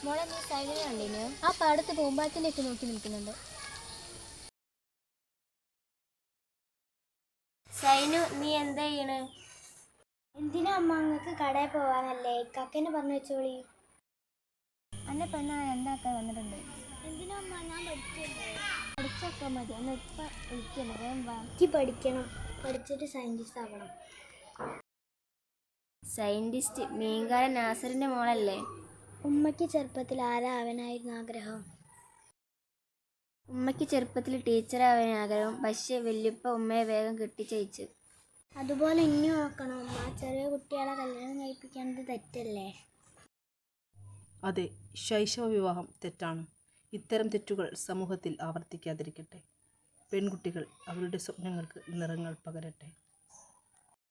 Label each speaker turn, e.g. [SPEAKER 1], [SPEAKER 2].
[SPEAKER 1] മോളെ നീ സൈഡിനെ കണ്ടിന്? ആ പാടത്ത് പൂമ്പാറ്റിലേക്ക് നോക്കി നിൽക്കുന്നുണ്ട്. സൈനു, നീ എന്താ ചെയ്യണ്?
[SPEAKER 2] എന്തിനാ അമ്മ? അങ്ങക്ക് കടയിൽ പോവാനല്ലേ? കക്കന് പറഞ്ഞു വെച്ചോളി.
[SPEAKER 1] അന്നെ പെണ്ണ എന്താക്കാൻ വന്നിട്ടുണ്ട്?
[SPEAKER 2] എന്തിനാ അമ്മ? ഞാൻ പഠിക്കല്ലേ.
[SPEAKER 1] പഠിച്ചൊക്കെ മതി. അന്ന് ഇപ്പം വിളിക്കല്ലേ, വേഗം വാ.
[SPEAKER 2] എനിക്ക് പഠിക്കണം. പഠിച്ചിട്ട് സയൻറ്റിസ്റ്റ് ആവണം.
[SPEAKER 1] സയൻറ്റിസ്റ്റ് മീൻകാരൻ നാസറിൻ്റെ മോളല്ലേ?
[SPEAKER 2] ഉമ്മയ്ക്ക് ചെറുപ്പത്തിൽ ആരാ ആവാനായിരുന്നു ആഗ്രഹം?
[SPEAKER 1] ഉമ്മയ്ക്ക് ചെറുപ്പത്തിൽ ടീച്ചറാവാൻ ആഗ്രഹം. പക്ഷേ വല്യപ്പ ഉമ്മയെ വേഗം കെട്ടിച്ചയച്ചു.
[SPEAKER 2] അതുപോലെ ഇനി നോക്കണം അമ്മ. ചെറിയ കുട്ടികളെ കല്യാണം കഴിപ്പിക്കേണ്ടത് തെറ്റല്ലേ?
[SPEAKER 3] അതെ, ശൈശവ വിവാഹം തെറ്റാണ്. ഇത്തരം തെറ്റുകൾ സമൂഹത്തിൽ ആവർത്തിക്കാതിരിക്കട്ടെ. പെൺകുട്ടികൾ അവരുടെ സ്വപ്നങ്ങൾക്ക് നിറങ്ങൾ പകരട്ടെ.